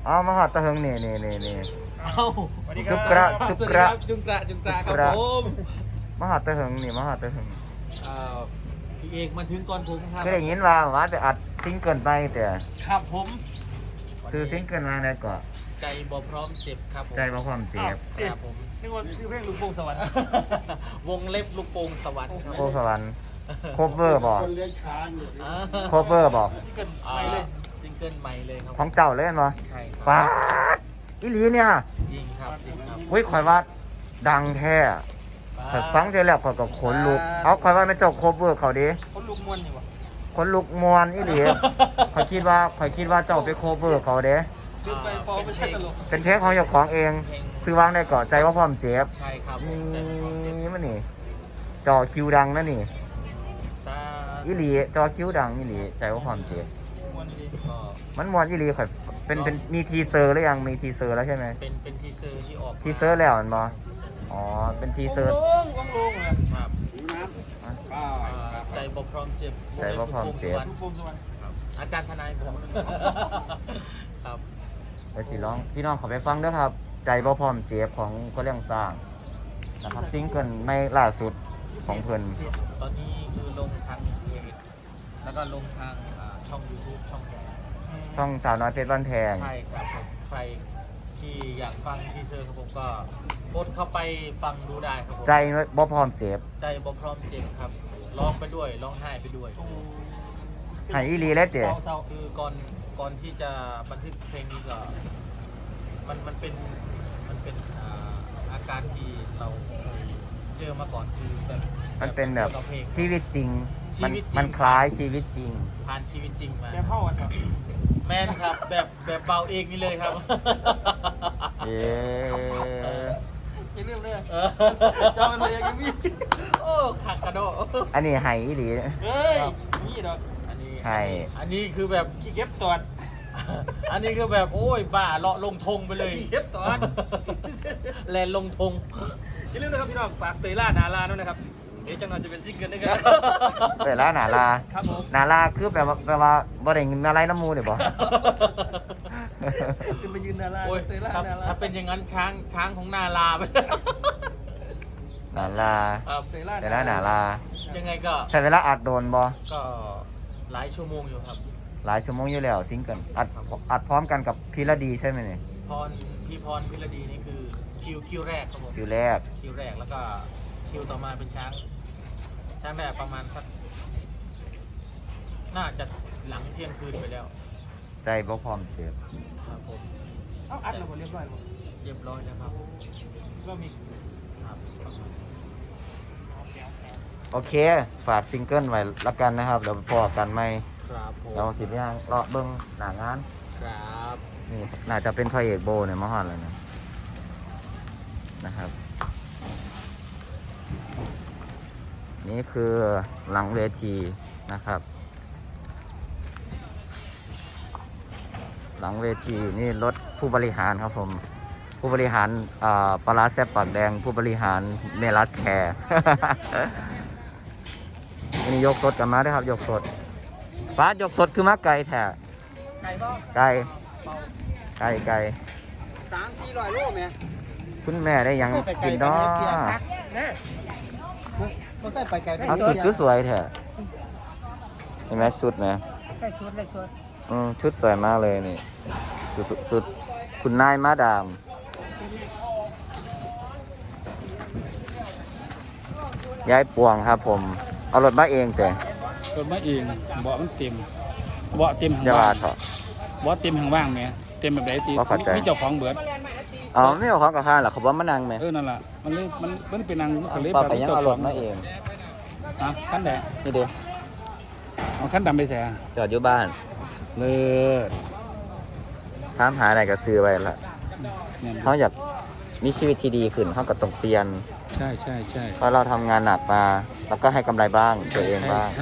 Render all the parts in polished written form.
อ๋อมาหอดตะเฮงนี่เอ้าสวัสดีครัจุกระบจุกระจุกระครับผมมาหอดตะเฮงนี่มาหอดตะเฮงพี่เอกมาถึงก่อนผมครับก็ได้ยินว่าจะอัดซิงเกิลไปแต่ครับผมซื้อซิงเกิลมาได้ก่อนใจบ่พร้อมเจ็บครับผมใจบ่ความเจ็บครับผมนึกว่าชื่อเพลงลูกโป่งสวรรค์วงเล็บลูกโป่งสวรรค์ครับโคสวรรค์โคเวอร์บอกอ่าโคเวอร์บอกซิงเกิลอ่าใหม่เลยซิงเกิลใหม่เลยครับของเจ้าเลยเนาะใช่ครับป้าดอีหลีเนี่ยจริงครับจริงครับอุ้ยข่อยว่าดังแท้ข่อยฟังเท่แล้วข่อยก็ขนลุกเอาข่อยว่าไม่เจ้าโคเวอร์เขาดิคนลูกมวนนี่วะขนลุกมวนอีหลีข่อยคิดว่าเจ้าไปโคเวอร์เขาเด้ลืมไปพอไม่ใช่ตลกเป็นเพลงของเจ้าของเองซื้อวางได้ก่อนใจว่าพร้อมเจ็บใช่ครับผนี่มใจบ่พร้อมเจ็บมันนี่จอคิวดังนะนี่ซาอีหลีจอคิวดังอีหลีใจว่าพร้อมเจ็บมวนดีก็มันมวนอีหลีข่อยเป็นมีทีเซอร์หรือยังมีทีเซอร์แล้วใช่ไหมเป็นทีเซอร์ที่ออกมาทีเซอร์แล้วมันบออ๋อเป็นทีเซอร์วงลงอ่ะครับอ่ะใจบ่พร้อมเจ็บใจบ่พร้อมเจ็บลูกโป่งสวรรค์ครับอาจารย์ทนายผมครับไปสิร้องพี่น้องขอไปฟังด้วยครับ ใจบ่พร้อมเจ็บของก็เรื่องสร้างนะครับซิงเกิลไม่ล่าสุดของเพิ่นตอนนี้คือลงทางเพจแล้วก็ลงทางช่อง YouTube ช่องแกช่องสาวน้อยเพชรบ้านแพงใช่ครับผมใครที่อยากฟังทีเซอร์ครับผมก็กดเข้าไปฟังดูได้ครับผมใจบ่พร้อมเจ็บใจบ่พร้อมเจ็บครับร้องไปด้วยร้องไห้ไปด้วยให้อีหลีแล้วเจ๊เศร้าคือก่อนที่จะบันทึกเพลงนี้ก็มันเป็นอาการที่เราเคยเจอมาก่อนคือแบบมันเป็นแบบกี่ยวกับเพลงชีวิตจริงชีวิตจริงมันคล้ายชีวิตจริงผ่านชีวิตจริงมาๆแกเข้ากันครับแม่นครับแบบเบาเองนี่เลยครับเอ๊ะอย่าลืมเลยเออเจ้ามันเลยยังมีโอ้ขักกระโดดอันนี้ให้อีหลีเฮ้ยนี่ดอกอันนี้ใช่อันนี้คือแบบขี้เก็บตอดอันนี้คือแบบโอ้ยบ้าเลาะลงธงไปเลยขี้เก็บตอดแลนลงธงอย่าลืมนะครับพี่น้องฝากเตยล่านาลาด้วยนะครับเดี๋ยวจังหน่อยจะเป็นซิงเกิลด้วยกันเปิดแล้วหนาลาครับผมหนาลาคือแปลว่าบ่ได้เงินอะไรน้ำมูเดี๋ยวบอกขึ้นไปยืนนาลาโอ้ยเตยล่าถ้านาลาถ้าเป็นอย่างนั้นช้างของนาลาไปหนาลาครับเตยล่าเดี๋ยวแล้วหนาลายังไงก็ใช้เวลาอัดโดนบ่ก็หลายชั่วโมงอยู่ครับหลายชั่วโมงอยู่แล้วซิงเกิลอัดพร้อมกันกับพีระดีใช่ไหมเนี่ยพี่พรพิรดีนี่คือคิวแรกครับผมคิวแรกคิวแรกแล้วก็คิวต่อมาเป็นช้างแบบประมาณสักน่าจะหลังเที่ยงคืนไปแล้วใจบ่พร้อมเจ็บครับผมเอาอัดแล้วหมดเรียบร้อยหมดเรียบร้อยแล้วครับก็มีครับโอเค ฝากซิงเกิลไว้ละกันนะครับเดี๋ยวพอกันไหมครับผมเราสิบย่างเลาะเบิ้งหน้างานครับนี่น่าจะเป็นพระเอกโบเนี่ยมาฮอดแล้วนะนะครับ นี่คือหลังเวทีนะครับ หลังเวทีนี่รถผู้บริหารครับผม ผู้บริหารปลาร้าแซ่บปากแดง ผู้บริหารเมลัสแคร์ นี่ยกสดกันมาด้วยครับ ยกสดป้ายกสดคือมาไก่แท้ไก่บ้าไก่ไก่ 300-400 โลแม่คุณแม่ได้หยังกินเนาะแม่มันก็ไปไกลไปเอาสุดคือสวยแท้เห็นไหมชุดไหมใช่ชุดเลยชุดชุดสวยมากเลยนี่สุดคุณนายมาดามยายปวงครับผม เอารถมาเองแต่รถมาเองเบาะมันเต็มเบาะเต็มหางอย่าว่าว่าง เถอะเบาะเต็มหางว่างแหมเต็มแบบไหนตีบ่เข้าใจมีเจ้าของเบิดอ๋อไม่เอาของกับข้าหรอเขาบอกมานั่งไหมนั่นล่ะมันเลยมันเป็นนางมันก็เลยป้าแบบไปยังเอารถมาเองฮะคันแดงนี่เด้เอาคันดำไปแส่จอดอยู่บ้านเลิศถามหาอะไรก็ซื้อไว้ละเนี่ยเขาอยากมีชีวิตที่ดีขึ้นเขาก็ต้องเปลี่ยนใช่ใช่ใช่เพราะเราทำงานหนักมาแล้วก็ให้กำไรบ้างตัวเองบ้างใช่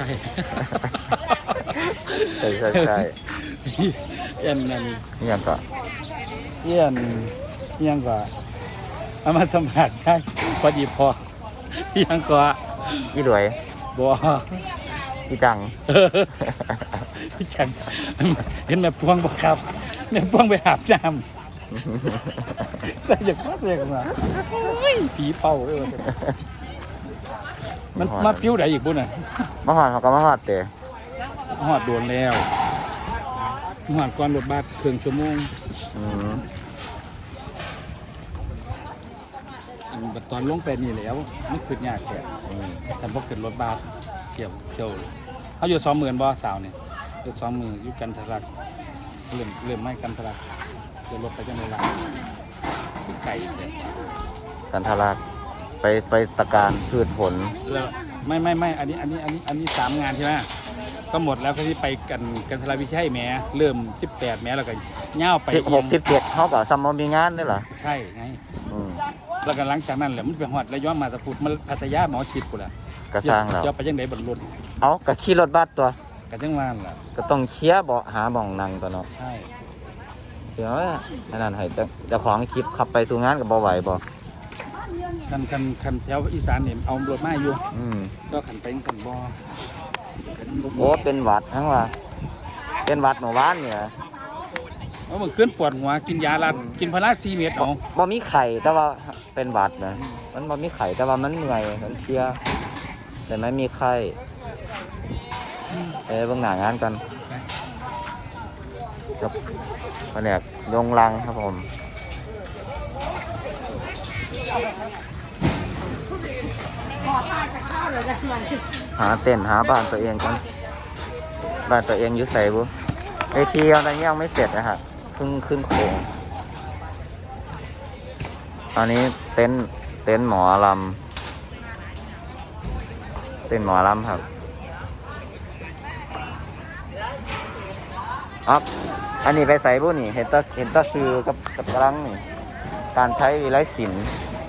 ใช่เอียนนั่นนี่ยังก็เอียนเอียงกว่าเอามาสัมผัสใช่พอดีพอเอียงกว่ายี่รวยบัวยี่จังพี่จังเห็นแบบพวงบ่ครับเนี่ยป้องไปอาบน้ำใส่อย่างมาใส่อย่างมาโอ้ยผีเป่าเลยมันมาฟิวไหนอีกบุญอ่ะมาหอดเขาก็มาหอดเตะหอดโดนแล้วหอดก่อนรถบัสครึ่งชั่วโมง ตอนลงไปนี่แล้วไม่ขึ้นยากแค่แต่พอขึ้นรถบัสเที่ยวเขาอยู่20,000บ่สาวเนี่ยอยู่20,000อยู่กันทรักเริ่มไม่กันทรักเดี๋ยวรถไปจังเลยล่ะไก่เลยกันทาราไปตะการพืชผลแล้วไม่อันนี้3 งานใช่ไหมก็หมดแล้วก็ที่ไปกันทราวิชัยแหมเริ่ม18แหมแล้วก็ย่าวไป 16 17เขาก็ซัมมอมีงานด้วยเหรอใช่ไงแล้วก็หลังจากนั้นแหละมันไปฮอดระยองมาสะพุดมาพัทยาหมอชิดกูล่ะกระสร้างแล้วจะไปยังไดบนรถเอากระขี่รถบัสตัวกันจังหวานล่ะก็ต้องเคลียร์เบาะหาบ่องนั่งตัวเนาะใช่เดี๋ยวอันนั้นให้เจ้าของคลิปขับไปสู่งานกับบ่ไหวบ่คันแถวอีสานเนี่ยเอารถมาอยู่ ก็ขันไปขันบ่โอ้เป็นหวัดทั้งว่าเป็นหวัดหมู่บ้านเนี่ยเอามันขึ้นปวดหัวกินยาลัดกินพารา4 เม็ดเอาบ่มีไข่แต่ว่าเป็นหวัดนะมันบ่มีไข่แต่ว่ามันเหนื่อยมันเพลียแต่ไม่มีไข้เบิ่งหน้างานกันกับแผนกยงลังครับผมหาเต็นท์หาบ้านตัวเองกันบ้านตัวเองอยู่ใส่บุเวทีอะไรยังไม่เสร็จนะฮะเพิ่งขึ้นโครงตอนนี้เต็นท์หมอลำเต็นท์หมอลำครับอันนี้ไปใส่บุนี่เห็นตาซื้อกับกำลังนี่การใช้วิไลศิลป์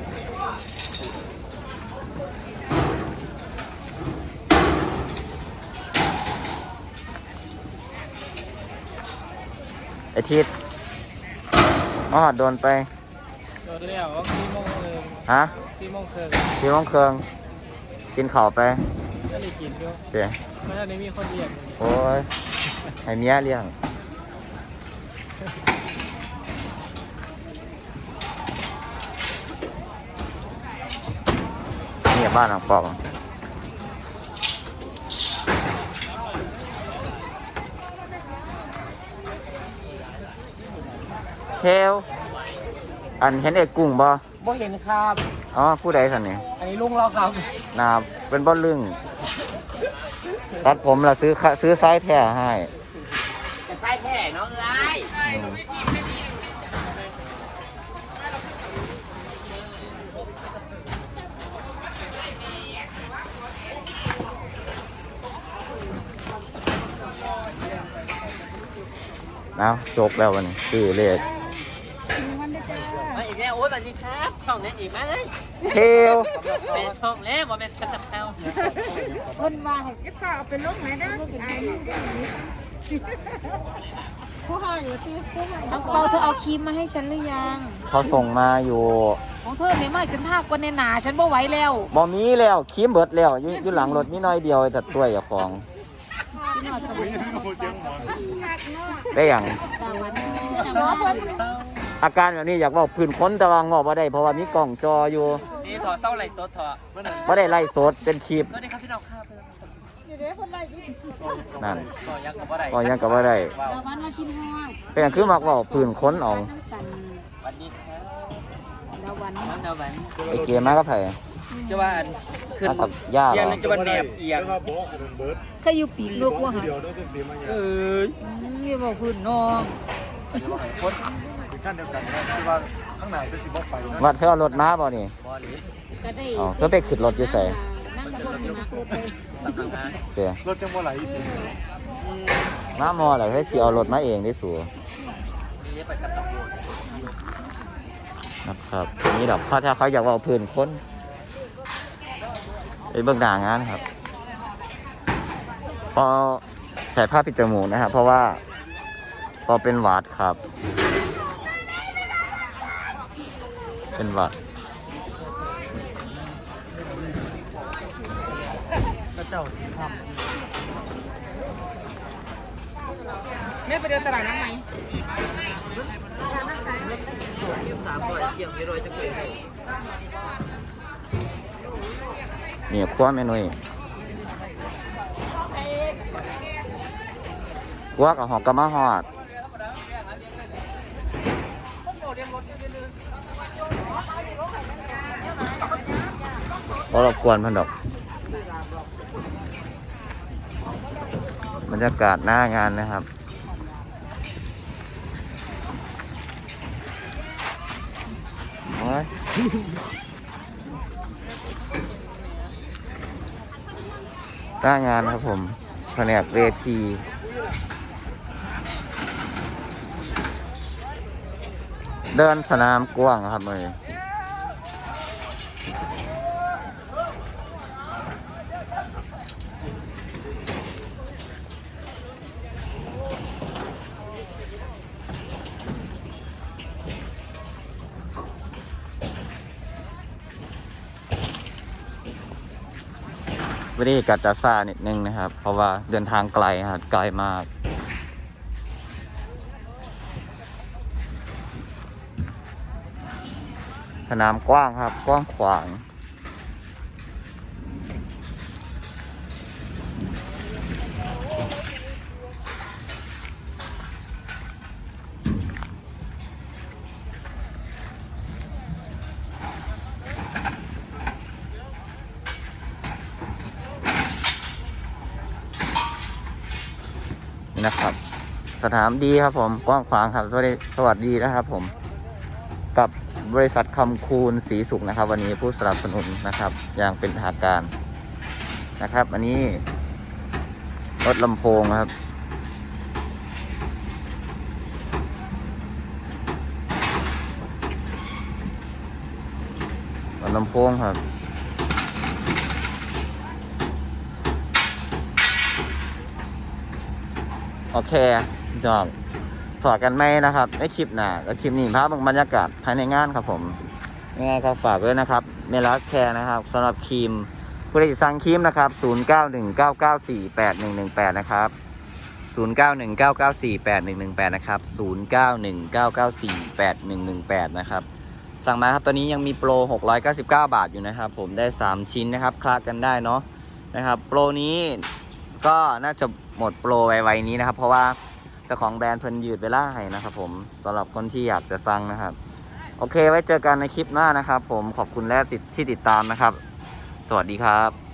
ไอทิศโดนไปโดนแล้ว4 โมงเลยฮะ 4 โมงครึ่ง 4 โมงครึ่งกินข้าวไปก็ได้กินด้วยเจ๊ไม่ทันได้มีคนเรียกโอ้ยให้เมียเลี้ยงนี่บ้านหลังปอกเทลอันเห็นเอกกุ้งบ่บ่เห็นครับอ๋อผู้ใดสันนี่อันนี้ลุงเราครับนาเป็นบ่ลึงตัดผมเราซื้อไซส์แท้ให้จะใส่แท้เนาะเอ้ยเอาจบแล้ววันนี้ซื้อเลขมาอีกแล้วโอ้ยสวัสดีครับช่องนี้อีกมาเลยเทลเป็นช่องแล้วบ่เป็นชันตะเภาคนมาให้ก็ข้าวเอาไปลงไหนได้ไอ้นี่ได้ไหมผู้ให้อยู่ที่ผู้ให้น้องเปาเธอเอาครีมมาให้ฉันหรือยังเขาส่งมาอยู่ของเธอเนี่ยมาให้ฉันทากว่าในหนาฉันบ่ไหวแล้วบ่มีแล้วครีมเบิดแล้วอยู่หลังรถมีน้อยเดียวแต่ตัวอย่าของพี่นอดสมัยนั้นได้อย่างตาวันจะมาเพิ่นอาการแบบนี้อยากบอกพื้นค้นแต่ว่างอกบ่ได้เพราะว่ามีกล่องจออยู่นี่ถอดเส้าไหลสดถอดบ่ได้ไล่สดเป็นคลิปสวัสดีครับพี่น้องครับเดี๋ยวคนไรดินั่นต่อยังกับบ่ได้ก็ยังก็บ่ได้ตาวันมาคิดฮอดเป็นอย่างคือมักเว้าพื้นค้นเอาน้ำกันวันนี้ครับดาวันน้องดาววันไอ้เกมมาก็ไผจะว่าอันขึ้นมากับย่าเอีเหรอยงจะว่าแนบเอียงก็อยู่ปีกลูกว่าหาเอ้ยอย่าบอกพื้นน้องเป็นขั้นเดียวกันนะที่ว่าข้างหน้าจะจิบไปนะวัดเธอเอารถมาบ่นี่บ่ดีก็ได้อ๋อเธอไปขึ้นรถอยู่ไสนั่งกับคนนักไปสำนักงานเด้อรถจังหวะไหลมาหมอแล้วให้สิเอารถมาเองได้สู่นี่ไปกับตำรวจนะครับนี่ดอกถ้าเขาอยากเอาพื้นค้นไปเบื้องหน้างานครับพอใส่ผ้าปิดจมูกนะครับเพราะว่าพอเป็นหวัดครับ เป็นหวัดแม่ไปเดินตลาดน้ำไหม 300เกี่ยง400จะเป็นนี่ครัวเมนูครัวกับหอกกะมาฮอดบ่รบกวนเพิ่นดอกบรรยากาศหน้างานนะครับโอ้ยหน้างานครับผมแผนกเวทีเดินสนามกว้างครับเลยวันนี้กัดจะซ่านิดนึงนะครับ เพราะว่าเดินทางไกลครับไกลมากสนามกว้างครับกว้างขวางนี่นะครับสนามดีครับผมกว้างขวางครับสวัสดีนะครับผมกับบริษัทคำคูณศรีสุขนะครับวันนี้ผู้สนับสนุนนะครับอย่างเป็นทางการนะครับอันนี้รถลำโพงครับรถลำโพงครับโอเคจอกฝากกันไหมนะครับในคลิปหน้าและคลิปนี้ภาพบรรยากาศภายในงานครับผมยังไงก็ฝากด้วยนะครับเมลัสแคร์นะครับสำหรับครีมผู้ใดสั่งครีมนะครับ0919948118นะครับ0919948118นะครับ0919948118นะครับสั่งมาครับตอนนี้ยังมีโปร699 บาทอยู่นะครับผมได้3ชิ้นนะครับคลากันได้เนาะนะครับโปรนี้ก็น่าจะหมดโปรไวๆนี้นะครับเพราะว่าเจ้าของแบรนด์เพิ่นยืดเวลาให้นะครับผมสำหรับคนที่อยากจะสั่งนะครับโอเคไว้เจอกันในคลิปหน้านะครับผมขอบคุณและที่ติดตามนะครับสวัสดีครับ